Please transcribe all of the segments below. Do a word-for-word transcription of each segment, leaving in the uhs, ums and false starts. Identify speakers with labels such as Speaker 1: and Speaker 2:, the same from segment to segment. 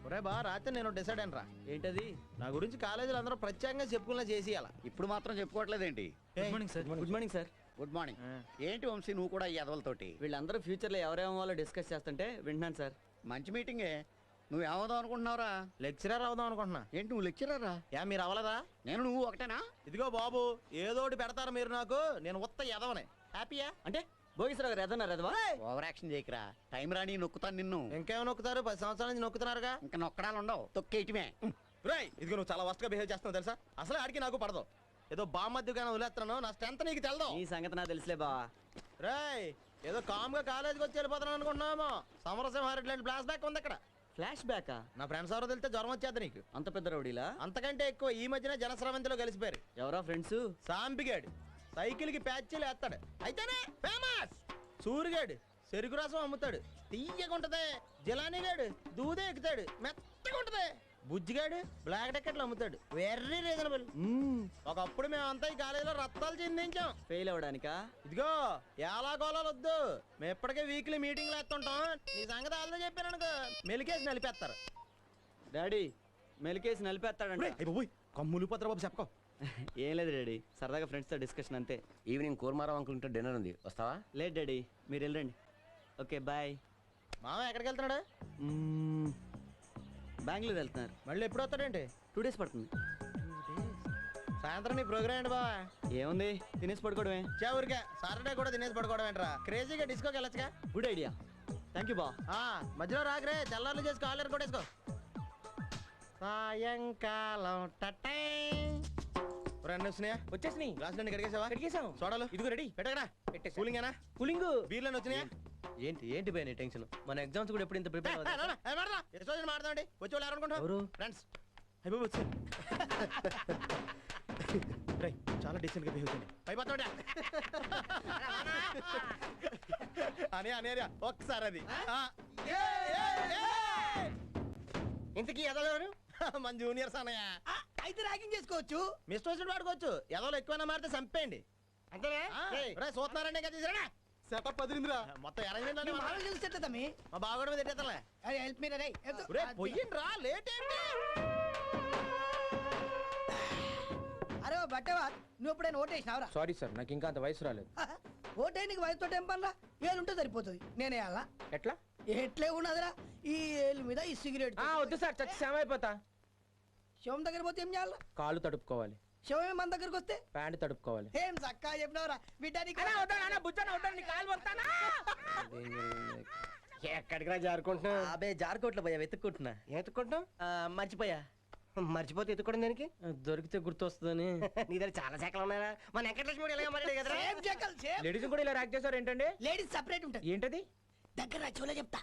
Speaker 1: ఒరే బా రాత్రి నేను డిసైడ్ అయినరా.
Speaker 2: ఏంటది?
Speaker 1: నా గురించి కాలేజీలో అందరూ ప్రత్యేకంగా చెప్పుకున్నా చేసేయాల.
Speaker 3: ఇప్పుడు మాత్రం చెప్పుకోవట్లేదేంటి?
Speaker 2: Good morning sir. Good morning sir.
Speaker 3: Good morning. ఏంటి వంశీ నువ్వు కూడా ఈ ఎదవలతోటి?
Speaker 2: వీళ్ళందరూ ఫ్యూచర్ లో ఎవరేమో డిస్కస్ చేస్తుంటే వింటున్నాను సార్.
Speaker 3: మంచి మీటింగే. నువ్వు ఏమవుదాం అనుకుంటున్నావురా?
Speaker 1: లెక్చరర్ అవుదాం అనుకుంటున్నా.
Speaker 3: ఏంటి నువ్వు లెక్చరరా?
Speaker 1: యా మీరు అవ్వలేదా?
Speaker 3: నేను నువ్వు ఒకటేనా?
Speaker 1: ఇదిగో బాబు ఏదోటి పెడతారు మీరు నాకు, నేను ఉత్త ఎదవనే. హ్యాపీయా?
Speaker 2: అంటే భోగేశ్వరరావు గారు ఎదన్నారు ఎదవా?
Speaker 3: Over action చేయకరా. టైం రాని నొక్కుతాను నిన్ను.
Speaker 1: ఇంకేమో నొక్కుతారు? పది సంవత్సరాల నుంచి నొక్కుతున్నారుగా.
Speaker 3: ఇంకా నొక్కడాలు ఉండవు, తొక్కేయటమే.
Speaker 1: రేయ్ ఇదిగో నువ్వు చాలా వర్స్ట్ గా బిహేవ్ చేస్తున్నావు తెలుసా. అసలు ఆడికి నాకు పడదు. ఏదో బామ్మద్దుగానే వదిలేస్తున్నాను, నా స్ట్రెంత్ నీకు తెలదు.
Speaker 2: ఈ సంగతి నాకు తెలుసులే బా.
Speaker 1: రేయ్ ఏదో కామ్ గా కాలేజీకి వచ్చి వెళ్ళిపోతున్నాను అనుకుంటున్నామో. సమరసింహారెడ్డి లాంటి ఫ్లాష్ బ్యాక్ ఉంది అక్కడ.
Speaker 2: ఫ్లాష్ బ్యాకా?
Speaker 1: నా ఫ్రెండ్స్ ఎవరో తెలితే జ్వరం వచ్చేది నీకు.
Speaker 2: అంత పెద్ద రౌడీలా?
Speaker 1: అంతకంటే ఎక్కువ ఈ మధ్యన జనస్రవంతిలో కలిసిపోయారు.
Speaker 2: ఎవరా ఫ్రెండ్స్?
Speaker 1: సాంపిగాడు సైకిల్ కి ప్యాచ్లు వేస్తాడు, అయితేనే ఫేమస్. సూరిగాడు చెరుకు రసం అమ్ముతాడు, తీయగుంటది. జిలానీగాడు దూదే ఎక్కుతాడు, మెత్తగా ఉంటది. బుజ్జిగాడు బ్లాక్ టికెట్లు అమ్ముతాడు, వెర్రీ రీజనబుల్. ఒకప్పుడు మేమంతా ఈ కాలేజీలో రత్తాలు చెందించాం.
Speaker 2: ఫెయిల్ అవడానికా?
Speaker 1: ఇదిగో ఎలా గోళాలు వద్దు, మేము ఇప్పటికే వీక్లీ మీటింగ్లు వేస్తుంటాం. నీ సంగతి వాళ్ళతో చెప్పాను అనుకో, మెలికేసి నలిపేస్తారు.
Speaker 2: డాడీ మెలికేసి నలిపేస్తాడంట.
Speaker 1: కమ్ములు పత్ర బాబు చెప్పకో.
Speaker 2: ఏం లేదు డాడీ, సరదాగా ఫ్రెండ్స్ తో డిస్కషన్ అంతే.
Speaker 4: ఈవినింగ్ కూర్మారావు అంకుల్ ఇంట్లో డిన్నర్ ఉంది, వస్తావా?
Speaker 2: లేదు డాడీ, మీరు వెళ్ళండి. Okay bye.
Speaker 1: మామ ఎక్కడికి వెళ్తున్నాడు?
Speaker 2: బెంగళూరు వెళ్తున్నారు.
Speaker 1: మళ్ళీ ఎప్పుడు వస్తాడేంటి?
Speaker 2: టూ డేస్ పడుతుంది.
Speaker 1: సాయంత్రం నీ ప్రోగ్రామ్ ఏంటి బావా?
Speaker 2: ఏముంది, తినేసి పడుకోవడమే.
Speaker 1: ఊరికే సాటర్డే కూడా తినేసి పడుకోవడం ఏంట్రా? క్రేజీగా డిస్కోకి వెళ్ళొచ్చుగా.
Speaker 2: గుడ్ ఐడియా, థ్యాంక్ యూ బా.
Speaker 1: మధ్యలో రాకరే, తెల్లారులు చేసి కాలర్ కొట్టేసుకో. సాయంకాలం టటై రెండు వచ్చినాయా?
Speaker 4: వచ్చేసినాయి.
Speaker 1: గ్లాస్ నుండి కడిగేసావా?
Speaker 4: కడిగేసాం.
Speaker 1: సోడాలు
Speaker 4: ఇదిగో రెడీ.
Speaker 1: పెట్టగడా.
Speaker 4: పెట్టేసా.
Speaker 1: కూలింగేనా?
Speaker 4: కూలింగ్.
Speaker 1: బీర్లను వచ్చినాయా?
Speaker 4: ఏంటి ఏంటి పోయిన టెన్షన్? మన ఎగ్జామ్స్ కూడా ఎప్పుడు ఇంత ప్రిపేర్
Speaker 1: మాడదామండి. వచ్చి వాళ్ళు ఎవరనుకుంటారు?
Speaker 4: ఎవరు?
Speaker 1: ఫ్రెండ్స్. అయిపోయి వచ్చి చాలా డీసెంట్ గా బిహేవ్ చేయండి. అయిపోతాడా అని అనేరియా ఒక్కసారి అది.
Speaker 4: ఇంతకీ ఎదలెవరు?
Speaker 1: మన జూనియర్స్ అన్నయ్య.
Speaker 4: అయితే ర్యాగింగ్ చేసుకోవచ్చు.
Speaker 1: మిస్టర్ వచ్చినట్టు వాడుకోవచ్చు. ఎదలో ఎక్కువైనా మారితే చంపేయండి.
Speaker 4: అంతేనా?
Speaker 1: సూత్నారండి కదా తీసుకురా.
Speaker 5: సెటప్ అదిరిందిరా.
Speaker 1: మొత్తం అరేంజ్మెంట్ మా బాగోడు మీద ఎట్టేతలే.
Speaker 4: హెల్ప్ మీ రే.
Speaker 1: పొయ్యిండి రా, లేట్ ఏంటి?
Speaker 4: అరే బట్టవా, నువ్వు ఎప్పుడైనా ఓటేసినావురా?
Speaker 5: సారీ సార్, నాకు ఇంకా అంత వయసు రాలేదు.
Speaker 4: ఓటే నీకు వయసుతో ఏం పనిరా? ఏళ్ళు ఉంటే సరిపోతుంది. నేనే అలా
Speaker 5: ఎట్లా?
Speaker 4: ఎట్లే ఉన్నదిరా, ఈ ఏళ్ళు మీద ఈ సిగరెట్.
Speaker 5: వద్దు సార్, చచ్చి సేమ అయిపోతా.
Speaker 4: శవం దగ్గర పోతే ఏం చేయాలి?
Speaker 5: కాళ్ళు తడుపుకోవాలి.
Speaker 4: శవమే మన దగ్గరకు వస్తే
Speaker 5: ప్యాంట్ తడుపుకోవాలి.
Speaker 4: ఏం చక్కా చెప్పినవరా బిడ్డానికి?
Speaker 5: ఎక్కడికి రా జారుకుంటున్నా?
Speaker 2: అబే జార్కోట్లో పోయా, వెతుక్కుంటున్నా.
Speaker 5: ఎత్తుకుంటాం.
Speaker 2: మర్చిపోయా.
Speaker 5: మర్చిపోతే ఎత్తుకోవడం దానికి?
Speaker 2: దొరికితే గుర్తొస్తుందని.
Speaker 5: నీ దగ్గర చాలా శాఖలు ఉన్నాయా? మన వెంకటలక్ష్మి ఇలాగ మరి కదా.
Speaker 4: సేమ్ చెక్కలు, సేమ్.
Speaker 5: లేడీస్ కూడా ఇలా ర్యాక్ చేస్తారు ఏంటండి?
Speaker 4: లేడీస్ సెపరేట్ ఉంటుంది.
Speaker 5: ఏంటది?
Speaker 4: దగ్గర చూలే చెప్తా.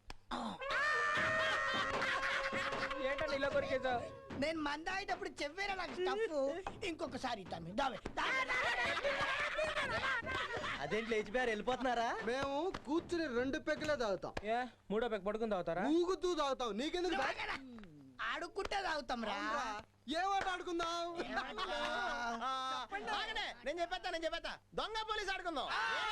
Speaker 5: ఏంటండి ఇలా కొరికేసావు?
Speaker 4: నేను మంద అయ్యేటప్పుడు చెవ్వేరా నాకు స్టఫ్. ఇంకొకసారి ఇద్దాం. దావే
Speaker 2: అదేంటి లేచిపోయారు, వెళ్ళిపోతున్నారా?
Speaker 6: మేము కూర్చుని రెండు పెగ్గులే తాగుతాం.
Speaker 5: ఏ మూడో పెక్ పడుకుని తాగుతారా?
Speaker 6: ఊగుతూ తాగుతాం. నీకెందుకు?
Speaker 4: ఆడుకుంటే తాగుతాం రా.
Speaker 6: ఏ ఆట ఆడుకుందాం?
Speaker 1: నేను చెప్పేస్తా నేను చెప్పేస్తా దొంగ పోలీస్ ఆడుకుందాం.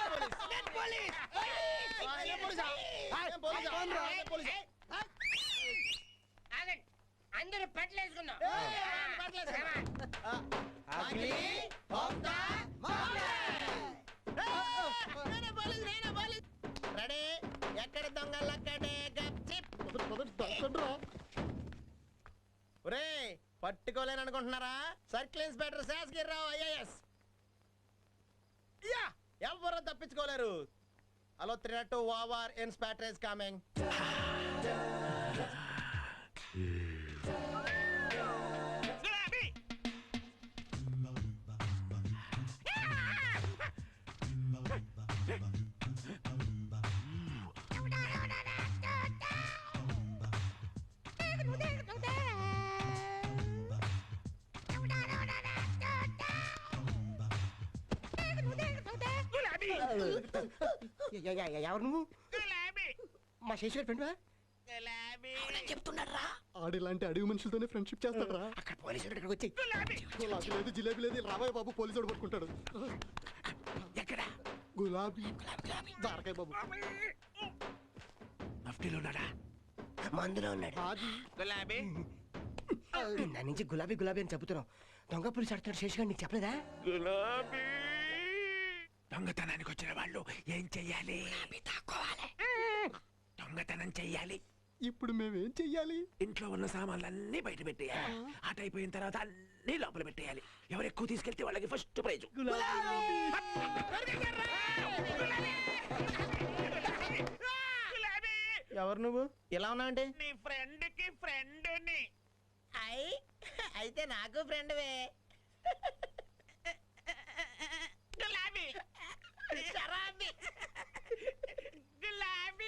Speaker 4: అందరూ పట్లేసుకుందాం.
Speaker 1: రెడీ? ఎక్కడ దొంగలు అక్కడే. ఒరే పట్టుకోలేను అనుకుంటున్నారా? Circle inspector Sasgirirao IAS. Yeah ఎవరు తప్పించుకోలేరు. Hello three naught two over, inspector is coming.
Speaker 5: ఎవరు నువ్వు? మా శేషర్ ఫ్రెండ్
Speaker 4: చెప్తున్నాడు రా.
Speaker 6: ఆడిలాంటి అడవి మనుషులతోనే ఫ్రెండ్షిప్ చేస్తాడు రా.
Speaker 5: అక్కడ పోలీసులు ఇక్కడికి వచ్చి
Speaker 6: గులాబీ లేదు, జిలేబీ లేదు. రాబోయే బాబు పోలీసుడు పట్టుకుంటాడు.
Speaker 5: ఎక్కడ?
Speaker 6: గులాబీ దారకాయ బాబు.
Speaker 5: మఫ్టీలో ఉన్నాడా? మందులో ఉన్నాడు
Speaker 6: అది
Speaker 5: గులాబీ నా నుంచి గులాబీ గులాబీ అని చెబుతున్నావు దొంగ పులిసి ఆడుతున్నాడు శేషగాడు నీకు చెప్పలేదా గులాబీ దొంగతనానికి వచ్చిన వాళ్ళు ఏం చెయ్యాలి దొంగతనం చెయ్యాలి
Speaker 6: ఇప్పుడు మేమేం చెయ్యాలి?
Speaker 5: ఇంట్లో ఉన్న సామాన్లన్నీ బయట పెట్టేయాలి ఆట అయిపోయిన తర్వాత అన్ని లోపల పెట్టేయాలి ఎవరు ఎక్కువ తీసుకెళ్తే వాళ్ళకి ఫస్ట్ ప్రైజ్
Speaker 1: ఎవరు నువ్వు ఇలా ఉన్నావు అంటే
Speaker 7: నీ ఫ్రెండ్ కి ఫ్రెండ్ ని
Speaker 1: అయి అయితే నాకు ఫ్రెండ్వే
Speaker 7: గులాబీ
Speaker 1: శరాబి
Speaker 7: గులాబీ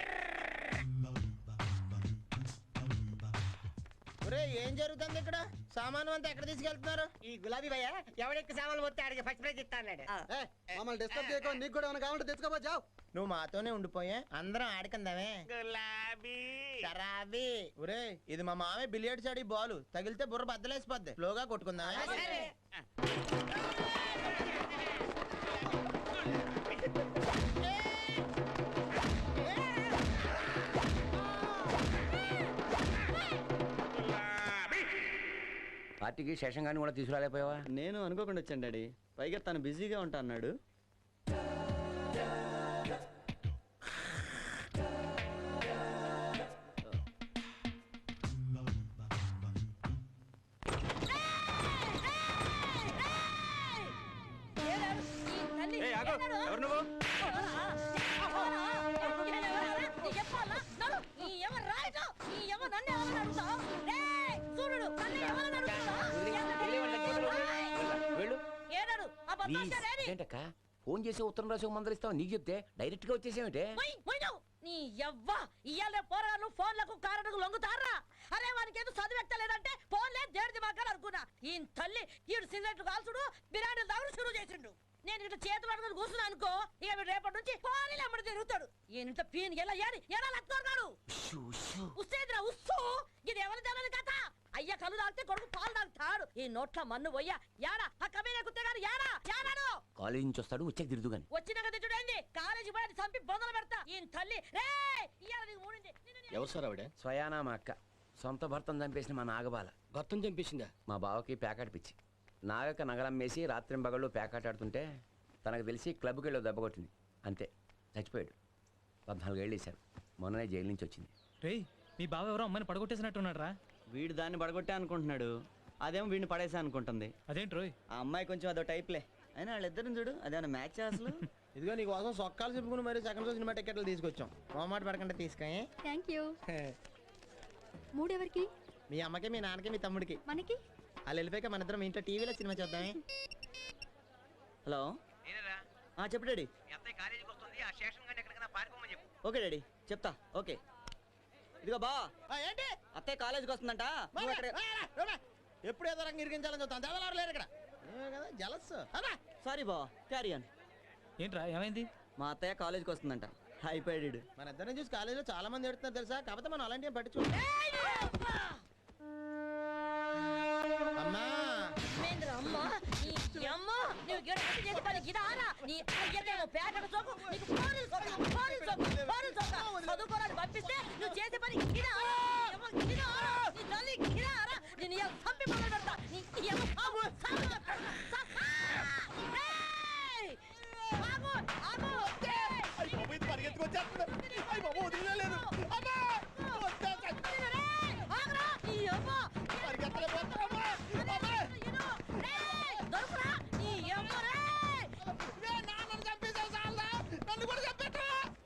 Speaker 1: ఒరే ఏం జరుగుతుంది ఇక్కడ సామాను అంతా ఎక్కడ తీసుకెళ్తున్నారు?
Speaker 5: ఈ గులాబీ భయ్య ఎవడెక్కి సామాన్లు పోతే ఆడికి ఫస్ట్ ప్రైజ్ ఇస్తా అన్నాడు
Speaker 6: మమ్మల్ని డిస్టర్బ్ చేయకో, నీకు కూడా ఏమైనా కావాలంటే తెచ్చుకోబో జావ్.
Speaker 1: నువ్వు మాతోనే ఉండిపోయా అందరం ఆడుకుందామే.
Speaker 7: గులాబీ
Speaker 1: శరాబి ఒరే ఇది మా మామే బిలియర్డ్స్ ఆడి బాలు తగిలితే బుర్ర బద్దలేసిపోద్ది స్లోగా కొట్టుకుందామే.
Speaker 8: పార్టీకి శేషం గాని కూడా తీసుకురాలేకపోయావా?
Speaker 2: నేను అనుకోకుండా వచ్చాను డాడీ, పైగా తను బిజీగా ఉంటా అన్నాడు.
Speaker 8: ఏంటక్క ఫోన్ చేసి ఉత్తరం రాసి మందలు ఇస్తావు నీకు చెప్తే డైరెక్ట్ గా వచ్చేసేమిటే?
Speaker 9: నీ యవ్వా ఇయ్యాలే పోరాలు ఫోన్లకు కారణకు లొంగుతారా? అరే వానికి ఏదో చదివెత్తలేదంటే ఫోన్లే దేడిది మాకాలు అనుకున్నా. ఈ తల్లి ఈడు సిగరెట్లు కాల్చుడు బిరాడీలు తాగుడు షురూ చేసిండు. నేను ఇట్లా చేతులు అడుగుని కూర్చున్నా అనుకో, ఇక వీడు రేపటి నుంచి పోనీ అమ్మడి తిరుగుతాడు. ఈయన పీన్ ఎలా ఏరి ఎలా లత్తుకున్నాడు ఉస్సేదిరా ఉస్సు. ఇది ఎవరి తెలియదు కథ. అయ్య కళ్ళు తాగితే కొడుకు పాలు తాగుతాడు. ఈ నోట్ల మన్ను పోయ్యా యాడా ఆ కబీనే కుత్తే గారు యాడా యాడాడు
Speaker 8: కాలేజీ నుంచి వస్తాడు వచ్చాక తిరుదు గాని
Speaker 9: వచ్చినాక తిట్టుడైంది. కాలేజీ పోయి చంపి బొందలు పెడతా. ఈయన తల్లి రే ఇయ్యాల నీకు మూడింది.
Speaker 2: ఎవరు సార్ ఆవిడ?
Speaker 8: స్వయానా మా అక్క సొంత భర్తను చంపేసిన మా నాగబాల.
Speaker 2: భర్తను చంపేసిందా?
Speaker 8: మా బావకి ప్యాకెట్ పిచ్చి. నాగక్క నగలమ్మేసి రాత్రింబగళ్ళు ప్యాకెట్ ఆడుతుంటే తనకు తెలిసి క్లబ్కి వెళ్ళి దెబ్బ కొట్టింది. అంతే చచ్చిపోయాడు. పద్నాలుగేళ్ళు వేశారు. మొన్ననే జైలు నుంచి వచ్చింది.
Speaker 10: రే మీ బావ ఎవరో అమ్మని పడగొట్టేసినట్టున్నాడు రా.
Speaker 2: వీడు దాన్ని పడగొట్టే అనుకుంటున్నాడు, అదేమో వీడిని పడేసా అనుకుంటుంది.
Speaker 10: అదేంటి రోయ్?
Speaker 2: ఆ అమ్మాయి కొంచెం అదో టైప్లే. అయినా వాళ్ళిద్దరిని చూడు, అదేమన్నా మ్యాచ్ అసలు.
Speaker 1: ఇదిగో నీ కోసం సొక్కాలు చెప్పుకుని మరి సెకండ్ షో సినిమా టికెట్లు తీసుకొచ్చాం. మొహమాట పడకుండా తీసుకొని.
Speaker 11: Thank you. మూడెవరికి?
Speaker 1: మీ అమ్మకి మీ నాన్నకి మీ తమ్ముడికి.
Speaker 11: మనకి
Speaker 1: వాళ్ళు వెళ్ళిపోయాక మన ఇద్దరం ఇంట్లో టీవీలో సినిమా చూద్దామే.
Speaker 2: హలో చెప్పు డాడీ. ఓకే డాడీ చెప్తా. ఓకే ఇదిగో బా
Speaker 1: ఏంటి
Speaker 2: అత్తయ్య కాలేజీకి వస్తుందంట. నువ్వు అక్కడ
Speaker 1: ఎప్పుడు ఏదో రంగం ఇరిగించాలని చూస్తాను. దేవలారు లేరు ఇక్కడ కదా జలస్.
Speaker 2: సారీ బా క్యారీ ఆన్.
Speaker 10: ఏంట్రా ఏమైంది?
Speaker 2: మా అత్తయ్య కాలేజీకి వస్తుందంట. అయిపోయాడు.
Speaker 1: మన ఇద్దరిని చూసి కాలేజీలో చాలా మంది ఎడుతున్నారు తెలుసా. కాకపోతే మనం అలాంటి పట్టించు. అమ్మా
Speaker 9: అమ్మా నీ అమ్మ నువ్వు గిడపట్టి చేసి పని గిదారా నీ అయ్యనేమో పేటకు సోకు నీకు పోరీలు సోకు పోరీలు సోకు పోరీలు సోకు చదువుకోరాని పంపిస్తే నువ్వు చేసే పని గిదారా గిదారా నీ తల్లి గిదారా నేను ఇలా చంపి మొదలు పెడతా. నీ ఏమో సాగు సాగు చెప్తాను. ఆగు ఆగు
Speaker 1: పరిగెత్తుకొచ్చేస్తున్నాడు. అయ్యి బాబు వదిలేదు. అమ్మా
Speaker 9: ఆగరా నీ అమ్మ
Speaker 1: పరిగెత్తలేకపోతున్నామ్మా.
Speaker 9: దొరుకురా నీ అమ్మ రే
Speaker 1: నాన్నను చంపేసావు చాలా నన్ను కూడా చంపేట్రా.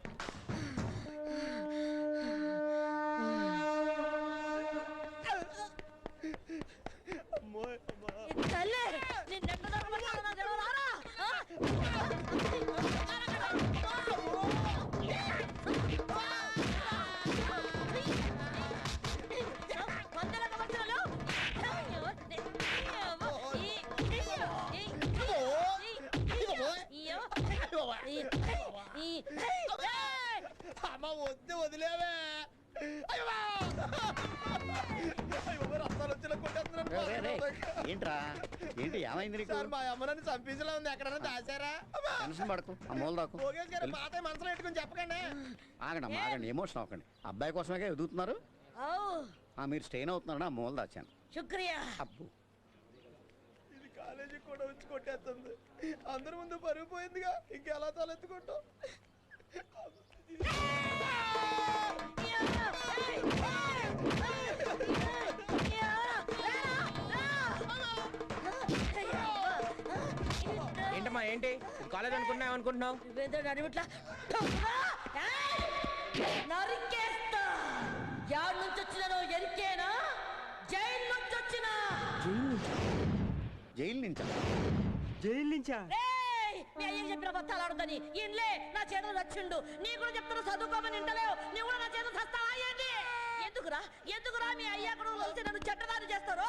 Speaker 9: తల్లి నిన్నెట్ట దొరకబడ్డావు నాకు తెలియదారా?
Speaker 1: అమ్మ వద్దు వదిలేవే.
Speaker 3: ఏంట్రా ఏంటి ఏమైంది నీకు
Speaker 1: సార్ మా అమ్మ నన్ను చంపించలే ఉంది ఎక్కడన్నా దాచారా
Speaker 3: టెన్షన్ పడకు ఆ మూల దాకు
Speaker 1: ఓకేష్ గారు పాత మనసులో పెట్టుకుని చెప్పకండి
Speaker 3: ఆగండి ఆగండి ఎమోషన్ అవ్వకండి అబ్బాయి కోసమే ఎదుగుతున్నారు
Speaker 9: ఔ,
Speaker 3: ఆ మీరు స్టెయిన్ అవుతున్నారని ఆ మూల దాచాను
Speaker 9: శుక్రియా.
Speaker 3: అబ్బు
Speaker 1: ఇది కాలేజీకి కూడా వచ్చి కొట్టేస్తుంది అందరి ముందు పరుగు పోయిందిగా ఇంకెలా తలెత్తుకుంటాం
Speaker 5: ఏంటమ్మా ఏంటి కాలేజ్ అనుకుంటున్నావు అనుకుంటున్నావు
Speaker 9: నువ్వేందో నడిమిట్లా నరికేస్తా. యాడ్ నుంచి వచ్చినానో ఎరికేనా, జైలు నుంచి వచ్చినా.
Speaker 3: జైలు నుంచా
Speaker 5: జైలు నుంచా
Speaker 9: రేయ్, నీ అయ్యకి చెప్పిన బత్తాలు ఆడుతాని ఇన్లే నా చేతులు రచ్చిండు. నీ కూడా చెప్తున్నా చదువుకోమని ఇంటలేవు, నీ కూడా నా చేతులు సస్తావా ఏంటి? ఎందుకురా ఎందుకురా మీ అయ్యా కూడా కలిసి నన్ను చెడ్డదారి చేస్తారు?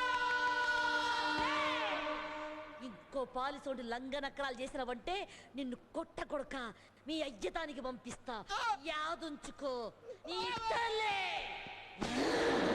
Speaker 9: ఇంకో పాలిసోడి లంగనక్కరాలు చేసినవంటే నిన్ను కొట్ట కొడక మీ అయ్యతానికి పంపిస్తా. యాదుంచుకో నీ తల్లే.